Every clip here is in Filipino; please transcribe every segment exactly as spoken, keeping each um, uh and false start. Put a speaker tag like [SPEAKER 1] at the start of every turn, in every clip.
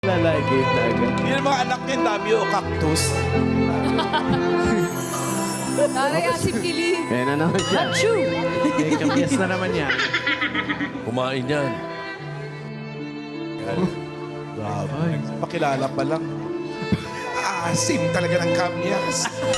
[SPEAKER 1] Lalagay na agad.
[SPEAKER 2] Yun ang mga anak niya, dami o cactus.
[SPEAKER 3] Taray asip kili.
[SPEAKER 1] Kaya na naman siya.
[SPEAKER 3] Achoo!
[SPEAKER 1] May kabyas na naman yan.
[SPEAKER 4] Kumain yan.
[SPEAKER 2] Grabe. Pakilala pa lang. Asim talaga ng kamyas.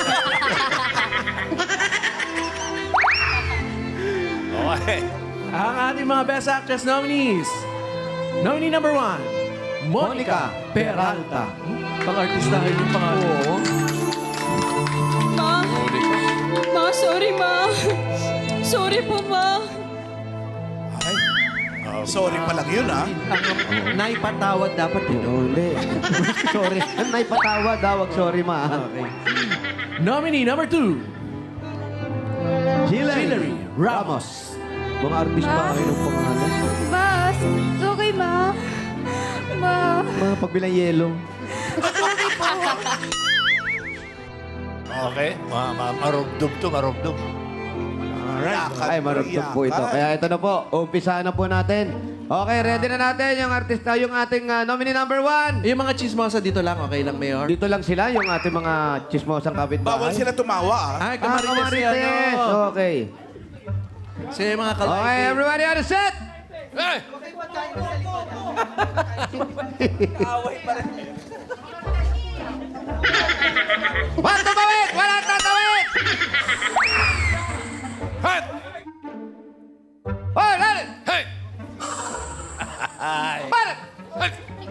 [SPEAKER 4] Okay.
[SPEAKER 1] Ang ating mga Best Actress nominees. Nominee number one, Monica Peralta. Pang-artistahin yung pangalan. Oo.
[SPEAKER 3] Ma, ma, sorry ma. Sorry po ma.
[SPEAKER 2] Ay, sorry pa lang yun, ha?
[SPEAKER 1] Ang naipatawad dapat yun.
[SPEAKER 5] Uli. Sorry. May patawa daw. Wag sorry, ma.
[SPEAKER 1] Okay. Nominee number two, Hillary Ramos.
[SPEAKER 5] Mga artist pa kayo ng pangalan.
[SPEAKER 3] Ma, it's okay ma. Ma.
[SPEAKER 5] Mga pagbilang yelo.
[SPEAKER 4] Okay. Ma ma marubdob to, marubdob.
[SPEAKER 2] Alright.
[SPEAKER 5] Ay, marugtog po ito. Kaya ito na po. Umpisahan na po natin. Okay, ready na natin yung artista, yung ating uh, nominee number one.
[SPEAKER 1] Yung mga chismosa dito lang, okay lang, Mayor?
[SPEAKER 5] Dito lang sila, yung ating mga chismosang kapitbahay.
[SPEAKER 2] Bawal sila tumawa, ha?
[SPEAKER 1] Ay,
[SPEAKER 5] Ah,
[SPEAKER 1] kamarites
[SPEAKER 5] kamarites.
[SPEAKER 1] yan, no?
[SPEAKER 5] Okay.
[SPEAKER 1] Sila yung mga kalaki.
[SPEAKER 5] Okay, everybody on the set!
[SPEAKER 4] Hey!
[SPEAKER 5] Wala tatawid! Wala tatawid!
[SPEAKER 4] Hat!
[SPEAKER 5] Oh, dali!
[SPEAKER 4] Hey!
[SPEAKER 5] Para!
[SPEAKER 4] Hey!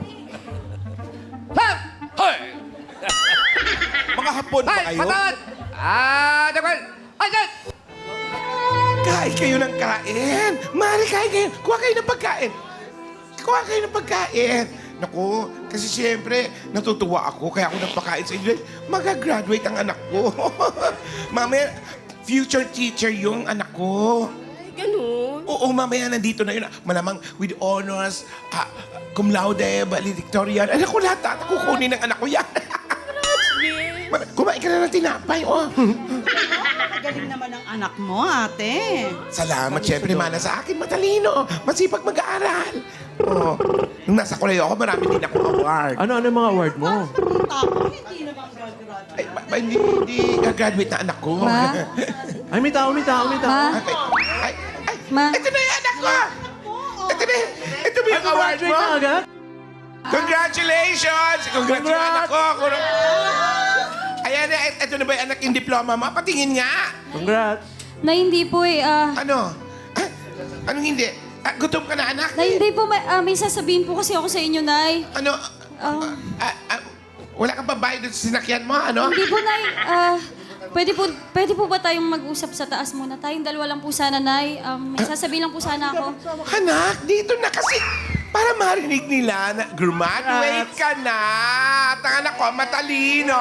[SPEAKER 5] Hap!
[SPEAKER 4] Hey!
[SPEAKER 2] Mga hapon ba
[SPEAKER 5] Ay,
[SPEAKER 2] kayo?
[SPEAKER 5] patawad! Ah, dakwal! Ay, dyan!
[SPEAKER 2] Kain kayo ng kain. Mari, kain kayo. Kuha kayo ng pagkain. Kuha kayo ng pagkain. Naku, kasi siyempre, natutuwa ako. Kaya ako nagpakain sa inyo. Mag-graduate ang anak ko. Mamaya, future teacher yung anak ko.
[SPEAKER 3] Ganun.
[SPEAKER 2] Oo, mamaya nandito na yun. Malamang with honors, ah, cum laude, valedictorian. Anak ko lahat, at kukunin ng anak ko yan. Ma- Kumain ka na ng tinapay, oh.
[SPEAKER 6] Galing naman ang anak mo, ate.
[SPEAKER 2] Salamat, syempre, mana sa akin. Matalino, masipag mag-aaral. Oh, nung nasa koleyo ako, marami din ako award.
[SPEAKER 1] Ano, ano yung mga award mo?
[SPEAKER 6] Tako, hindi naman graduate.
[SPEAKER 2] Ay, ba, ba, hindi, hindi gagraduate na anak ko.
[SPEAKER 3] Ma?
[SPEAKER 1] Ay, may tao, may tao, may tao.
[SPEAKER 3] Ma?
[SPEAKER 2] Ay, ay, ay,
[SPEAKER 3] Ma?
[SPEAKER 2] ito na yung anak ko! Ito na, ito ba yung award mo?
[SPEAKER 1] Graduate na agad?
[SPEAKER 2] Congratulations! Congrats yung anak ko! Kung- Ayan na, ito na ba yung anak yung diploma mo? Patingin nga!
[SPEAKER 1] Congrats.
[SPEAKER 7] Na hindi po eh, ah,
[SPEAKER 2] Ano? Ah, anong hindi? Ah, gutom ka na, anak?
[SPEAKER 7] na hindi po, may, ah, may sasabihin po kasi ako sa inyo, Nay.
[SPEAKER 2] Ano?
[SPEAKER 7] Ah,
[SPEAKER 2] Ah, ah, wala kang pambayad doon sa sinakyan mo, ano?
[SPEAKER 7] hindi po, Nay, ah, pwede po, pwede po ba tayong mag-usap sa taas muna? Tayong dalawa lang po sana, Nay. Um, may sasabihin lang po sana ako.
[SPEAKER 2] Anak, dito na kasi para marinig nila na graduate ka na. At ang anak ko, matalino.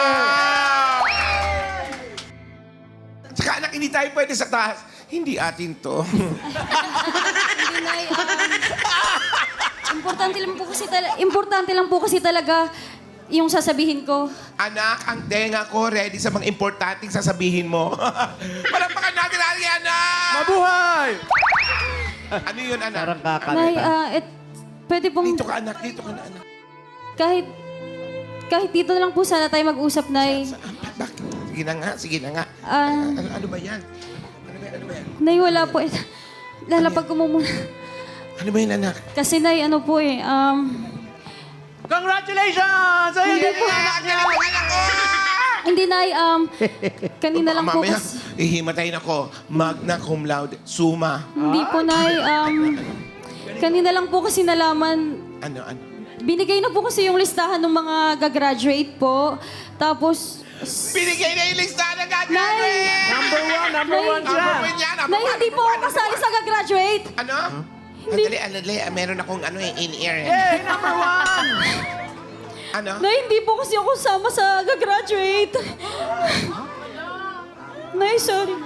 [SPEAKER 2] Tsaka anak, hindi tayo pwede sa taas. Hindi atin to.
[SPEAKER 7] Hindi, Nay, um, importante lang po kasi talaga, importante lang po kasi talaga yung sasabihin ko.
[SPEAKER 2] Anak, ang tenga ko ready sa mga importanteng sasabihin mo. Palampakan natin ang anak!
[SPEAKER 1] Mabuhay!
[SPEAKER 2] Ano yun, anak?
[SPEAKER 5] Parang
[SPEAKER 7] Nay,
[SPEAKER 5] kakalita.
[SPEAKER 7] ah, et, pwede pong,
[SPEAKER 2] Dito ka, anak. Dito ka na, anak.
[SPEAKER 7] kahit, kahit dito na lang po sana tayo mag-usap, Nay.
[SPEAKER 2] Sa- Bakit? Sige na nga, sige na nga.
[SPEAKER 7] Ah,
[SPEAKER 2] Ano, ano ba yan? Ano ba yan? Ano ba yan?
[SPEAKER 7] Nay, wala po. Eh, lalapag ko muna.
[SPEAKER 2] Ano ba yan, anak?
[SPEAKER 7] Kasi, Nay, ano po eh, um,
[SPEAKER 1] Congratulations! Ayun
[SPEAKER 7] Hindi
[SPEAKER 1] din
[SPEAKER 7] po.
[SPEAKER 1] yung anak niya!
[SPEAKER 2] Ang anak ko!
[SPEAKER 7] hindi, Nay, um, kanina lang po
[SPEAKER 2] Mamaya,
[SPEAKER 7] kasi,
[SPEAKER 2] ihimatayin ako. Magna cum laude. Suma.
[SPEAKER 7] hindi po, Nay, um, kanina lang po kasi nalaman,
[SPEAKER 2] Ano, ano?
[SPEAKER 7] binigay na po kasi yung listahan ng mga gagraduate po. Tapos,
[SPEAKER 2] Binigay na yung lista na gagraduate!
[SPEAKER 1] Number one, number
[SPEAKER 7] Nay.
[SPEAKER 1] one
[SPEAKER 2] Number
[SPEAKER 1] siya!
[SPEAKER 2] one yan. Number
[SPEAKER 7] Nay,
[SPEAKER 2] one,
[SPEAKER 7] hindi po
[SPEAKER 2] number
[SPEAKER 7] ako
[SPEAKER 2] one,
[SPEAKER 7] kasali
[SPEAKER 2] number
[SPEAKER 7] sa gagraduate.
[SPEAKER 2] one. Ano? Andali, andali. Meron akong ano eh, in-ear eh.
[SPEAKER 1] Hey, number one!
[SPEAKER 2] Ano?
[SPEAKER 7] Nay, hindi po kasi ako sama sa gagraduate. Nay, sorry.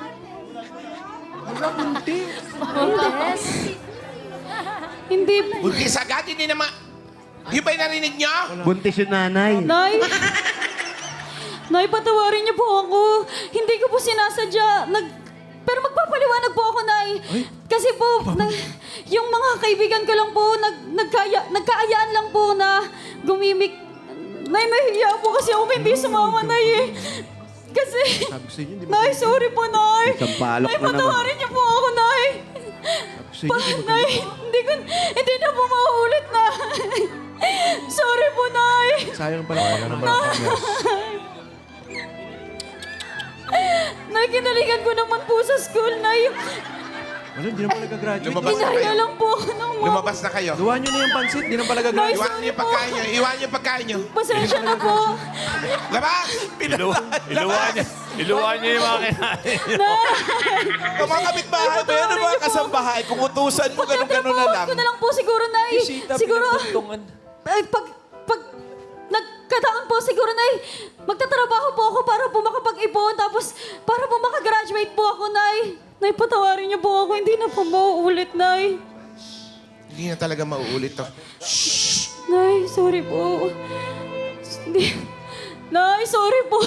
[SPEAKER 7] Hindi.
[SPEAKER 2] Buntis agad, hindi naman. Yung ba yung narinig niyo?
[SPEAKER 5] Buntis yung nanay.
[SPEAKER 7] Nay! Nay, patawarin niyo po ako. Hindi ko po sinasadya. Nag... Pero magpapaliwanag po ako, Nay. Kasi po, na, yung mga kaibigan ko lang po, nag, nagkaya, nagkaayaan lang po na gumimik. Nay, nahihiya po kasi ako hindi sumama, Nay eh. Kasi,
[SPEAKER 1] Sabi ko sa inyo, di ba?
[SPEAKER 7] Nay, sorry po, Nay.
[SPEAKER 5] Isang palok
[SPEAKER 7] Nay,
[SPEAKER 5] na naman.
[SPEAKER 7] patawarin niyo po ako, Nay.
[SPEAKER 1] Sabi ko
[SPEAKER 7] Pa,
[SPEAKER 1] sa inyo, di ba?
[SPEAKER 7] Nay, hindi, ko, hindi na po mauulit, Nay. Sorry po, Nay.
[SPEAKER 1] Sayang pala ako naman.
[SPEAKER 7] Nay, kinaligan ko naman po sa school, Nay.
[SPEAKER 1] Ano, di naman nag-graduate.
[SPEAKER 2] Lumabas na
[SPEAKER 7] Inaya
[SPEAKER 2] kayo.
[SPEAKER 7] lang po ako ng mga...
[SPEAKER 2] Lumabas na kayo.
[SPEAKER 1] Gawa nyo na yung pansit, di naman pala gagraduate.
[SPEAKER 2] Iwan niyo yung pagkain niyo. Iwan niyo yung pagkain niyo.
[SPEAKER 7] Pasensya na po.
[SPEAKER 2] Labas!
[SPEAKER 4] Ilu iluwan niya. Iluwan niya yung mga kinain.
[SPEAKER 8] Ang mga kapitbahay mo yan, ang mga kasambahay, kung utusan mo, ganun-ganun na lang.
[SPEAKER 7] Pagtatrabaho ko na lang po siguro, Nay. Siguro, ay, pag, pag, nagkataon po siguro, Nay, magtatrabaho po ako para po makapag-ipon, tapos para po makagraduate po ako, Nay. Nay, patawarin niyo po ako, hindi na po mauulit, Nay.
[SPEAKER 2] Hindi na talaga mauulit to.
[SPEAKER 7] Nay, sorry po. Hindi. Nay, sorry po.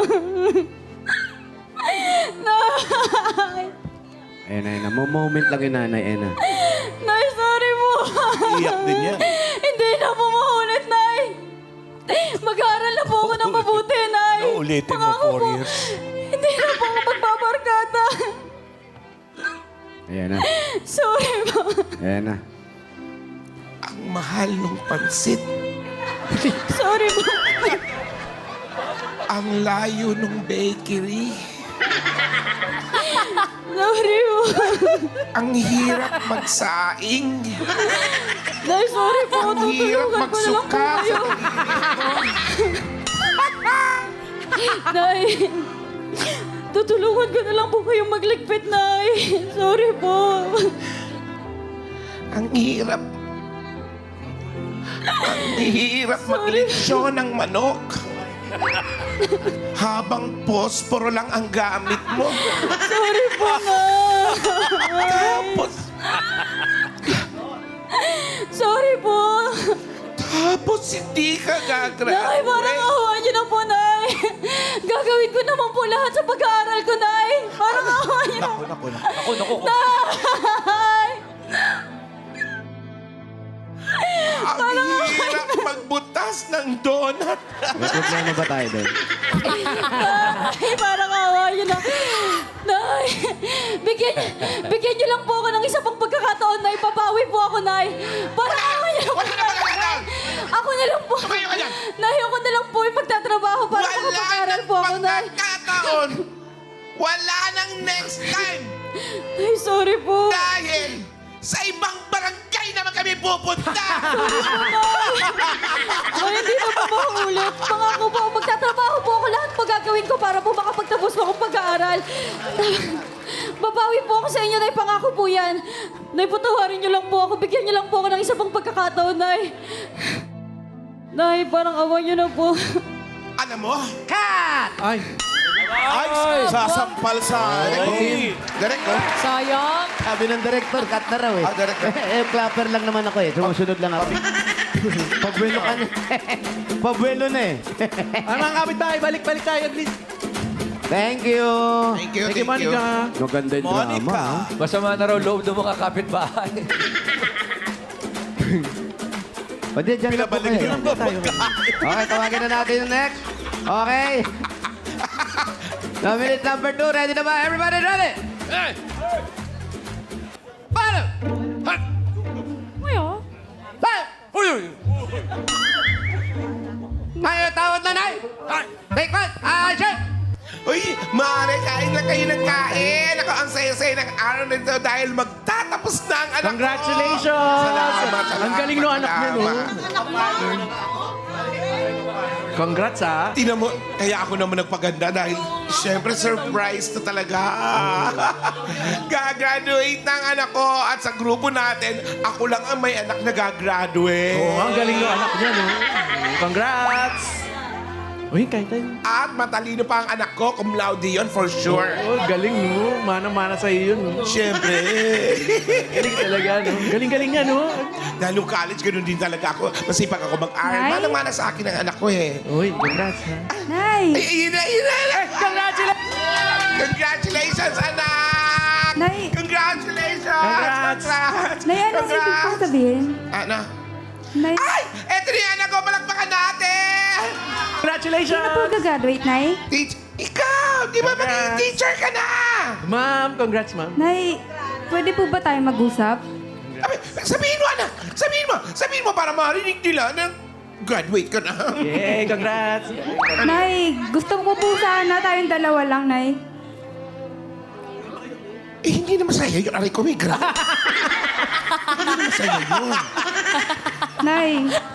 [SPEAKER 7] Nay.
[SPEAKER 5] Ayan, ayan. na. Moment lang yung nanay, ayan na.
[SPEAKER 7] Nay, sorry po.
[SPEAKER 8] Iyak din yan.
[SPEAKER 7] Hindi na po maulit, Nay. Mag-aaral na po ako ng mabuti, Nay.
[SPEAKER 4] Ano, ulitin mo,
[SPEAKER 7] Pangako
[SPEAKER 4] four
[SPEAKER 7] po,
[SPEAKER 4] years.
[SPEAKER 7] Hindi na po ako magbabarkada.
[SPEAKER 5] Ayan na.
[SPEAKER 7] Sorry po.
[SPEAKER 5] Ayan na.
[SPEAKER 2] Ang mahal ng pansit.
[SPEAKER 7] Sorry po.
[SPEAKER 2] Ang layo ng bakery.
[SPEAKER 7] Sorry po.
[SPEAKER 2] Ang hirap magsaing.
[SPEAKER 7] Nay, sorry po.
[SPEAKER 2] Ang hirap
[SPEAKER 7] Tutulungan ko na lang po
[SPEAKER 2] magsuka sa
[SPEAKER 7] kayo. Nay, tutulungan ko na lang po kayong magligpit, Nay. Sorry po.
[SPEAKER 2] Ang hirap. Ang hirap maglitsyon ng manok. Habang posporo lang ang gamit mo.
[SPEAKER 7] Sorry po, Nay.
[SPEAKER 2] Tapos,
[SPEAKER 7] Sorry po.
[SPEAKER 2] tapos hindi ka
[SPEAKER 7] Nay, parang
[SPEAKER 2] gagraduate.
[SPEAKER 7] awa niyo na po, Nay. Gagawin ko naman po lahat sa pag-aaral ko, Nay. Parang awa niyo na po.
[SPEAKER 8] Naku, naku. Naku, naku.
[SPEAKER 7] Nay!
[SPEAKER 2] Ang hirap magbutas ng donut.
[SPEAKER 5] May problema ba tayo doon?
[SPEAKER 7] Nay, parang awa niyo na. Nay, bigyan, bigyan niyo lang po ako ng isa pang pagkakataon, Nay. Papawi po ako, Nay. Parang awa niyo na po,
[SPEAKER 2] Wala na
[SPEAKER 7] Nay.
[SPEAKER 2] pagkakataon.
[SPEAKER 7] Ako na lang po.
[SPEAKER 2] Tumayo ka dyan.
[SPEAKER 7] Nay, ako na lang po yung magtatrabaho para
[SPEAKER 2] Wala
[SPEAKER 7] makapag-aral
[SPEAKER 2] nang
[SPEAKER 7] po ako, Nay.
[SPEAKER 2] pagkakataon. Wala nang next time.
[SPEAKER 7] Nay, sorry po.
[SPEAKER 2] Dahil sa ibang barangay naman kami pupunta.
[SPEAKER 7] Ay, hindi na po maulit. Pangako po, magtatrabaho po ako. Lahat po gagawin ko para po makapagtapos po akong pag-aaral. Babawi po ako sa inyo, Nay. Pangako po yan. Nay, patawarin niyo lang po ako. Bigyan niyo lang po ako ng isa pang pagkakataon, Nay. Nay, parang awa niyo na po.
[SPEAKER 2] Alam mo,
[SPEAKER 1] Ay,
[SPEAKER 8] Ay, sasampal sa...
[SPEAKER 2] Ay. Direct, oh.
[SPEAKER 3] Sayang.
[SPEAKER 5] Sabi ng director, cut na raw eh.
[SPEAKER 2] Ah, director.
[SPEAKER 5] eh, clapper lang naman ako eh. Sumusunod lang ako. Pabuelo ka na. Pabuelo na eh.
[SPEAKER 1] ay mga kapitbahay, balik-balik tayo at least.
[SPEAKER 5] Thank you.
[SPEAKER 2] Thank you,
[SPEAKER 1] Thank you,
[SPEAKER 2] thank you.
[SPEAKER 1] Monica.
[SPEAKER 5] Maganda yung drama.
[SPEAKER 8] Monica.
[SPEAKER 5] ah.
[SPEAKER 4] Masama na raw loob ng mga kapitbahay.
[SPEAKER 5] Pwede, dyan na po
[SPEAKER 8] Pinabalik
[SPEAKER 5] kayo.
[SPEAKER 8] yun ang pagkain.
[SPEAKER 5] Okay, tawagin na natin yung next. Okay. Nominate number two. Ready na ba? Everybody ready?
[SPEAKER 4] Hey!
[SPEAKER 5] Paano?
[SPEAKER 4] Ha!
[SPEAKER 5] Paano?
[SPEAKER 4] Uy! uy.
[SPEAKER 5] Tayo, tawad na, Nay.
[SPEAKER 4] Ay!
[SPEAKER 5] Take one. Action!
[SPEAKER 2] Uy, maaari, kain lang kayo ng kain. Ako, ang saya-saya ng araw na ito dahil magtatapos na ang anak
[SPEAKER 1] Congratulations!
[SPEAKER 2] ko. Salamat, salamat.
[SPEAKER 1] Ang galing no anak niyo, no?
[SPEAKER 2] salamat.
[SPEAKER 1] Congrats, ha?
[SPEAKER 2] Tingnan mo, kaya ako naman nagpaganda dahil siyempre surprise to talaga. Gagraduate na ang anak ko at sa grupo natin, ako lang ang may anak na gagraduate.
[SPEAKER 1] Oo, ang galing no anak niya, no? Congrats! Uy, kahit tayo.
[SPEAKER 2] At matalino pa ang anak ko, cum laude yun for sure.
[SPEAKER 1] Oh, galing, no? Mana-mana sa'yo yun, no?
[SPEAKER 2] Siyempre.
[SPEAKER 1] Galing talaga, no? Galing-galing niya, no?
[SPEAKER 2] Dahil nung college, ganun din talaga ako. Masipag ako mag-aral.
[SPEAKER 3] Nay?
[SPEAKER 2] Manang-mana sa akin ang anak ko eh.
[SPEAKER 1] Uy, congrats, ha?
[SPEAKER 3] Nay.
[SPEAKER 2] Ay, yun na, yun na.
[SPEAKER 1] Congratulations!
[SPEAKER 2] Congratulations, anak!
[SPEAKER 3] Nay.
[SPEAKER 2] Congratulations!
[SPEAKER 1] Congrats!
[SPEAKER 2] Congrats!
[SPEAKER 3] Nay, anong ibig
[SPEAKER 2] Congrats!
[SPEAKER 3] pong sabihin?
[SPEAKER 2] Ano?
[SPEAKER 3] Nay,
[SPEAKER 2] Ay! Eto na yan ako! Palakpakan natin!
[SPEAKER 1] Congratulations!
[SPEAKER 3] sino po gagraduate, Nay?
[SPEAKER 2] Teach, ikaw! Di ba maging
[SPEAKER 1] Congrats!
[SPEAKER 2] teacher ka na?
[SPEAKER 1] Ma'am, congrats, ma'am.
[SPEAKER 3] Nay, pwede po ba tayo mag-usap?
[SPEAKER 2] Sabi, sabihin mo, anak! Sabihin mo! Sabihin mo para marinig nila na graduate ka na.
[SPEAKER 1] Yay, congrats!
[SPEAKER 3] Nay, gusto ko po sana tayong dalawa lang, Nay.
[SPEAKER 2] Eh, hindi na masaya yun. Aray ko, may gra. Hindi na masaya yun.
[SPEAKER 3] Nay,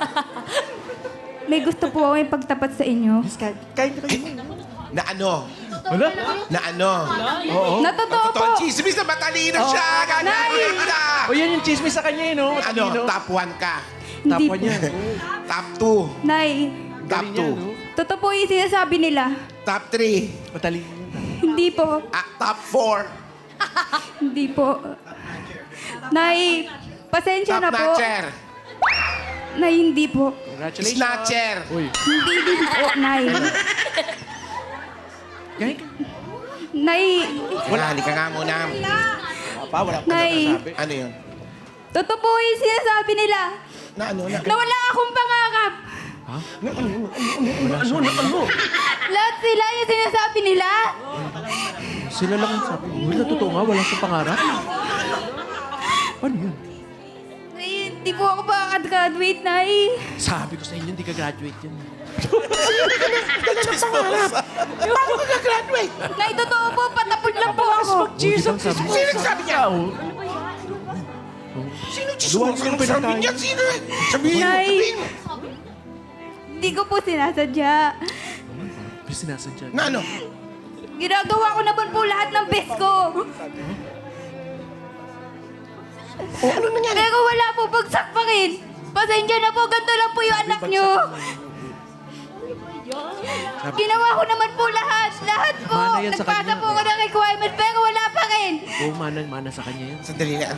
[SPEAKER 3] may gusto po ako ipagtapat sa inyo.
[SPEAKER 2] Na ano?
[SPEAKER 1] Wala?
[SPEAKER 2] Na ano?
[SPEAKER 1] Oo.
[SPEAKER 3] Na totoo po.
[SPEAKER 2] Totoo, chismis na matalino siya. Gagraduate na.
[SPEAKER 1] O yan yung chismis sa kanya, eh, no?
[SPEAKER 2] Ano?
[SPEAKER 1] Matalino.
[SPEAKER 2] Top one ka.
[SPEAKER 1] Top
[SPEAKER 3] Hindi
[SPEAKER 1] one
[SPEAKER 3] po.
[SPEAKER 1] yan.
[SPEAKER 2] Top two.
[SPEAKER 3] Nay,
[SPEAKER 2] Top
[SPEAKER 1] Galing
[SPEAKER 2] two.
[SPEAKER 1] yan, no?
[SPEAKER 3] totoo po yung sinasabi nila.
[SPEAKER 2] Top three.
[SPEAKER 1] Matalino.
[SPEAKER 3] Hindi po.
[SPEAKER 2] Ah, top four.
[SPEAKER 3] Hindi po. Nay, pasensya
[SPEAKER 2] Top
[SPEAKER 3] na po.
[SPEAKER 2] notcher.
[SPEAKER 3] Nay, hindi po.
[SPEAKER 1] Congratulations.
[SPEAKER 2] Snatcher.
[SPEAKER 1] Uy.
[SPEAKER 3] Hindi din po, Nay.
[SPEAKER 1] Galing ka.
[SPEAKER 3] Nay,
[SPEAKER 2] Wala, halika nga muna.
[SPEAKER 1] Pa, wala pa
[SPEAKER 3] Nay,
[SPEAKER 1] nasabi.
[SPEAKER 2] Ano yun?
[SPEAKER 3] totoo po yung sinasabi nila.
[SPEAKER 2] Na ano? Na,
[SPEAKER 3] Na wala akong pangarap.
[SPEAKER 1] Ano, ano, ano?
[SPEAKER 3] Lahat sila yung sinasabi nila.
[SPEAKER 1] Sila lang ang sabi. Wala, totoo nga, wala sa pangarap. Paano yun?
[SPEAKER 3] Nay, hindi po ako makakagraduate, Nay.
[SPEAKER 1] Sabi ko sa inyo, hindi ka graduate yan.
[SPEAKER 2] Dala ng pangarap. Paano ka gagraduate?
[SPEAKER 3] Nay, totoo po, patapon lang po ako.
[SPEAKER 1] Jesus, sabi
[SPEAKER 2] Sino nagsabi niya?
[SPEAKER 1] Sino
[SPEAKER 2] Sino
[SPEAKER 1] Luwag
[SPEAKER 2] Sino
[SPEAKER 1] ka
[SPEAKER 2] sabi
[SPEAKER 1] pinatay.
[SPEAKER 2] niya? Sino? Sabihin mo,
[SPEAKER 3] Nay.
[SPEAKER 2] sabihin mo.
[SPEAKER 3] Hindi ko po sinasadya.
[SPEAKER 1] Pero sinasadya.
[SPEAKER 2] Na ano?
[SPEAKER 3] Ginagawa ko naman po lahat ng best ko.
[SPEAKER 2] O ano nangyari?
[SPEAKER 3] Pero wala po bagsak pa rin. Pasensya na po, ganito lang po yung anak nyo. Ginawa ko naman po lahat. Lahat po.
[SPEAKER 1] Mana yan sa
[SPEAKER 3] Nagpasa
[SPEAKER 1] kanya.
[SPEAKER 3] po ko ng requirement, pero wala pa rin.
[SPEAKER 1] Oo, mana, mana sa kanya yan.
[SPEAKER 2] Sandali na.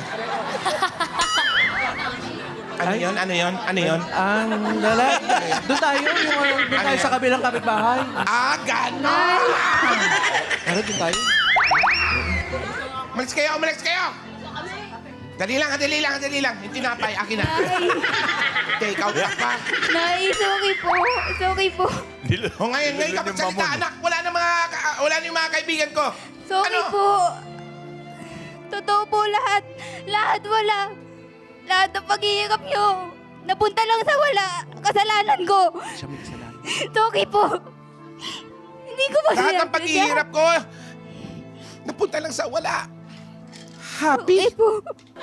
[SPEAKER 2] Ano yun? Ano yun? Ano yun?
[SPEAKER 1] Ang lalaki. Doon tayo, yung ano, doon tayo sa kabilang kapitbahay.
[SPEAKER 2] Ah, gano'n!
[SPEAKER 1] Tara, doon tayo.
[SPEAKER 2] Umalis kayo! Umalis kayo! Dali lang, dali lang, dali lang. Yung tinapay, akin na. Take out ka pa.
[SPEAKER 3] Nay, sorry po. Sorry po.
[SPEAKER 2] O ngayon, ngayon ka magsalita, anak. Wala na mga, ka- wala na yung mga kaibigan ko.
[SPEAKER 3] Sorry
[SPEAKER 2] Ano?
[SPEAKER 3] po. Totoo po lahat. Lahat wala. Lahat ng paghihirap nyo. Napunta lang sa wala. Kasalanan ko.
[SPEAKER 1] Siya may kasalanan.
[SPEAKER 3] Sorry po. Hindi ko ba
[SPEAKER 2] Lahat ng
[SPEAKER 3] sinasadya?
[SPEAKER 2] paghihirap ko, napunta lang sa wala.
[SPEAKER 3] Sorry
[SPEAKER 2] Happy?
[SPEAKER 3] po.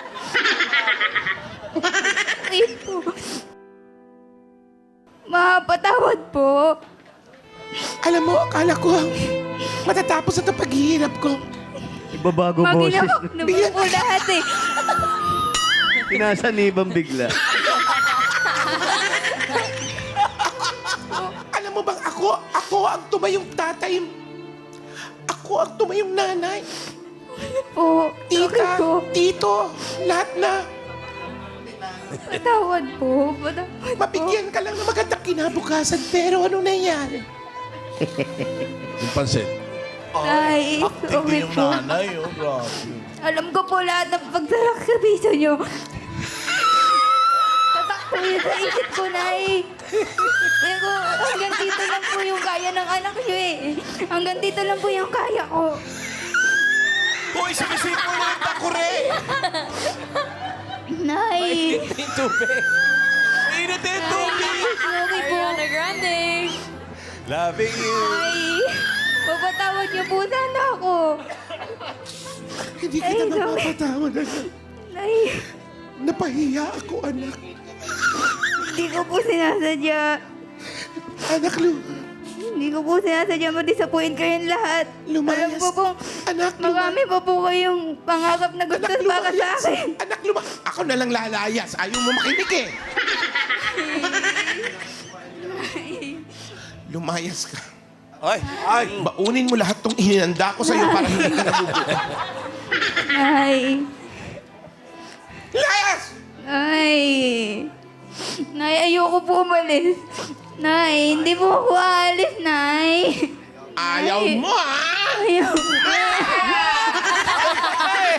[SPEAKER 3] Sorry po. Mapatawad po.
[SPEAKER 2] Alam mo, akala ko, matatapos na itong paghihirap ko.
[SPEAKER 5] Ibabago boses.
[SPEAKER 3] Maginawak naman po lahat eh.
[SPEAKER 5] Pinasanibang bigla.
[SPEAKER 2] Alam mo bang ako, ako ang tumayong tatay. Ako ang tumayong nanay.
[SPEAKER 3] Po. Sorry
[SPEAKER 2] Tita,
[SPEAKER 3] po.
[SPEAKER 2] tito, lahat na.
[SPEAKER 3] Patawad po. Patawad po.
[SPEAKER 2] Mabigyan ka lang ng magandang kinabukasan, pero ano nangyari?
[SPEAKER 8] Yung pansit.
[SPEAKER 3] Ay, sorry po.
[SPEAKER 8] nanay, oh, grabe.
[SPEAKER 3] Alam ko po lahat ng pagsarak sa piso nyo. Tatak po yun sa isip ko, Nay. Pero hanggang dito lang po yung kaya ng anak nyo eh. Hanggang dito lang po yung kaya ko.
[SPEAKER 8] Hoy, sumisip mo na yung takure!
[SPEAKER 3] Nay,
[SPEAKER 8] Yung tubig. Init yung tubig!
[SPEAKER 3] sorry po.
[SPEAKER 7] Grande.
[SPEAKER 8] Loving you.
[SPEAKER 3] Nay, papatawad niyo po sana ako.
[SPEAKER 2] Hindi
[SPEAKER 3] Ay,
[SPEAKER 2] kita
[SPEAKER 3] sorry.
[SPEAKER 2] mapapatawad, anak.
[SPEAKER 3] Nay,
[SPEAKER 2] Napahiya ako, anak.
[SPEAKER 3] hindi ko po sinasadya.
[SPEAKER 2] Anak, Lu.
[SPEAKER 3] Hindi ko po sinasadya ma-disappoint kayong lahat.
[SPEAKER 2] Lumayas.
[SPEAKER 3] Alam ko pong
[SPEAKER 2] Anak,
[SPEAKER 3] marami pa po kayong pangarap na gusto
[SPEAKER 2] Anak,
[SPEAKER 3] para sa
[SPEAKER 2] lumayas.
[SPEAKER 3] akin.
[SPEAKER 2] Anak, luma... Ako na lang lalayas. Ayaw mo makinig eh. Lumayas ka.
[SPEAKER 8] Ay, ay!
[SPEAKER 2] Baunin mo lahat tong ininanda ko sa'yo para hindi ka nabubuo.
[SPEAKER 3] Nay.
[SPEAKER 2] Layas!
[SPEAKER 3] Nay. Nay, ayoko po umalis. Nay, hindi po ako aalis, Nay.
[SPEAKER 2] Ayaw mo, ha?
[SPEAKER 3] Ayoko.
[SPEAKER 2] Hey!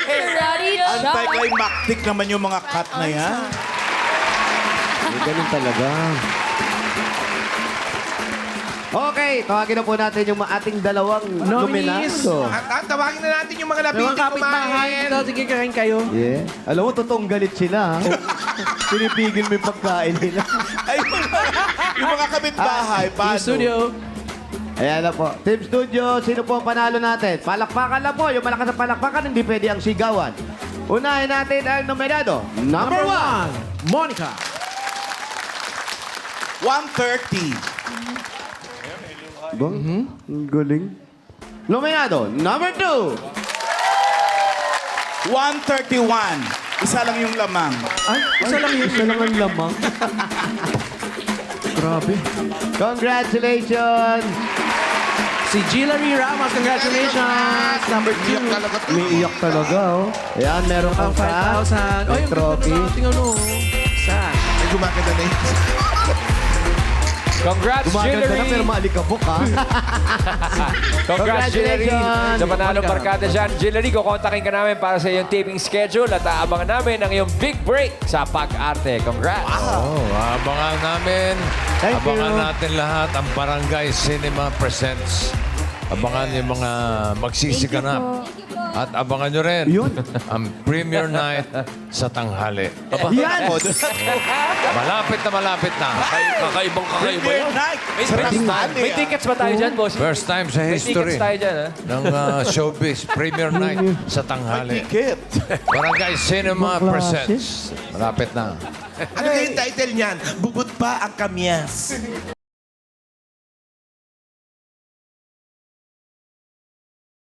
[SPEAKER 8] Anti-climactic naman yung mga cut na yan.
[SPEAKER 5] May ganun talaga. Okay, tawagin na po natin yung ating dalawang
[SPEAKER 1] Nominees.
[SPEAKER 5] nominado.
[SPEAKER 2] At, at tawagin na natin yung mga
[SPEAKER 1] Mga
[SPEAKER 2] nabiting
[SPEAKER 1] kapitbahay.
[SPEAKER 2] kumain.
[SPEAKER 1] Ito, sige, kain kayo.
[SPEAKER 5] Yeah. Alam mo, totoong galit sila, ha? Pinipigil mo yung pagkain nila.
[SPEAKER 8] Ay, yung mga, yung mga kapitbahay,
[SPEAKER 1] Team
[SPEAKER 8] paano?
[SPEAKER 1] Studio.
[SPEAKER 5] Ayan na po. Team Studio, sino po ang panalo natin? Palakpakan lang po. Yung malakas na palakpakan, hindi pwede ang sigawan. Unahin natin ang nominado. Number,
[SPEAKER 1] Number
[SPEAKER 5] one.
[SPEAKER 1] one, Monica.
[SPEAKER 8] one thirty.
[SPEAKER 5] Bang? Ang galing. Nominado. Number two.
[SPEAKER 8] one thirty-one. Isa lang yung lamang.
[SPEAKER 5] Ay, isa lang yun. Isa lang ang lamang. Grabe. Congratulations!
[SPEAKER 1] Si Gilary Ramos, congratulations. Number two.
[SPEAKER 2] Iyak talaga to.
[SPEAKER 5] May iyak talaga, oh. Ayan, meron
[SPEAKER 1] Ang
[SPEAKER 5] kang
[SPEAKER 1] five thousand.
[SPEAKER 5] May
[SPEAKER 1] Oh, yung
[SPEAKER 5] trophy.
[SPEAKER 1] ganda ng ating ano. Saan?
[SPEAKER 2] Ay, gumakita na yun.
[SPEAKER 4] Congrats,
[SPEAKER 5] Gumaganda na
[SPEAKER 4] Jillery!
[SPEAKER 5] pero maalikabok, ha?
[SPEAKER 4] Congrats, Jillery!
[SPEAKER 5] Congratulations!
[SPEAKER 4] Sa panalong
[SPEAKER 1] Monica.
[SPEAKER 4] barkada dyan. Jillery, kukontakin ka namin para sa iyong taping schedule at aabangan namin ang iyong big break sa pag-arte. Congrats!
[SPEAKER 9] Oh, abangan namin.
[SPEAKER 5] Thank
[SPEAKER 9] abangan
[SPEAKER 5] you.
[SPEAKER 9] natin lahat ang Barangay Cinema Presents. Abangan yung mga magsisiganap. At abangan nyo rin
[SPEAKER 5] Yun.
[SPEAKER 9] ang premiere night sa tanghali.
[SPEAKER 5] Yan!
[SPEAKER 9] Malapit na malapit na.
[SPEAKER 4] Kakaibang kakaiba
[SPEAKER 8] Premiere night.
[SPEAKER 4] May,
[SPEAKER 8] Sa tanghali,
[SPEAKER 4] may
[SPEAKER 8] ah.
[SPEAKER 4] tickets ba tayo dyan, boss?
[SPEAKER 9] First time sa
[SPEAKER 4] May
[SPEAKER 9] history
[SPEAKER 4] tickets tayo dyan, ha?
[SPEAKER 9] ng uh, showbiz premiere night sa tanghali.
[SPEAKER 8] Ticket.
[SPEAKER 9] Barangay Cinema
[SPEAKER 5] Ibang klase.
[SPEAKER 9] Presents. Malapit na.
[SPEAKER 2] Ano kayong title niyan? Bubot pa ang kamyas.